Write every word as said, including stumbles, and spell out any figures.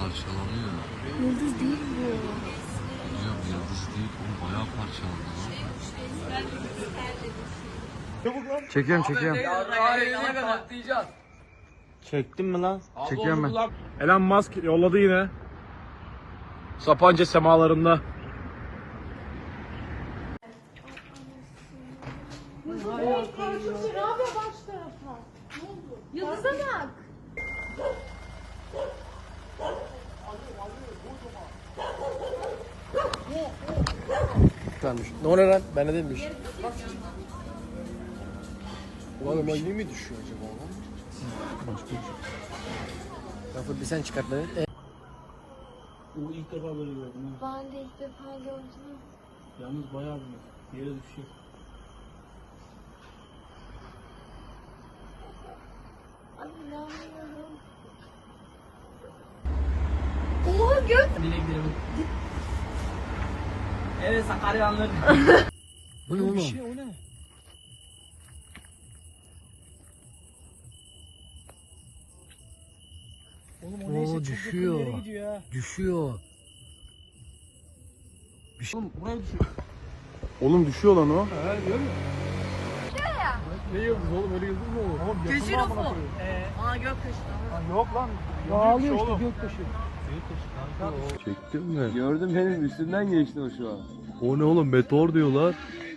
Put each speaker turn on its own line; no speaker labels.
parçalanıyor.
Yıldız değil bu.
Ya yıldız değil, o bayağı parçalandı lan.
Çekiyorum çekiyorum.
Çektin mi lan?
Çekiyorum ben.
Elon Musk yolladı yine. Sapanca semalarında.
Yıldız'a bak.
Ne oluyor lan? Ben de değilmiş. Oğlum elli mi düşüyor acaba lan? Başka bir şey. Lafı bir sen çıkartmadın. E
Bu ilk defa böyle gördüm.
Ben de ilk defa gördüm.
Yalnız bayağı büyük. Yere düşecek.
Ay inanmıyorum. Oha gök.
Evet Sakaryanlar.
Bu ne oğlum?
O ne? Oğlum o neyse
Oo,
çok
düşüyor.
yakın yere gidiyor ha.
Düşüyor.
Oğlum buraya düşüyor. Oğlum düşüyor lan o. He görüyor musun? Ne yıldız oğlum, öyle yıldız mı olur? Oğlum yakın mı amına koyayım?
Aa göktaşı.
Lan yok lan.
Ağlıyor işte
oğlum.
göktaşı.
Çektin mi?
Gördüm benim üstünden geçti o şu an.
O ne oğlum, meteor diyorlar.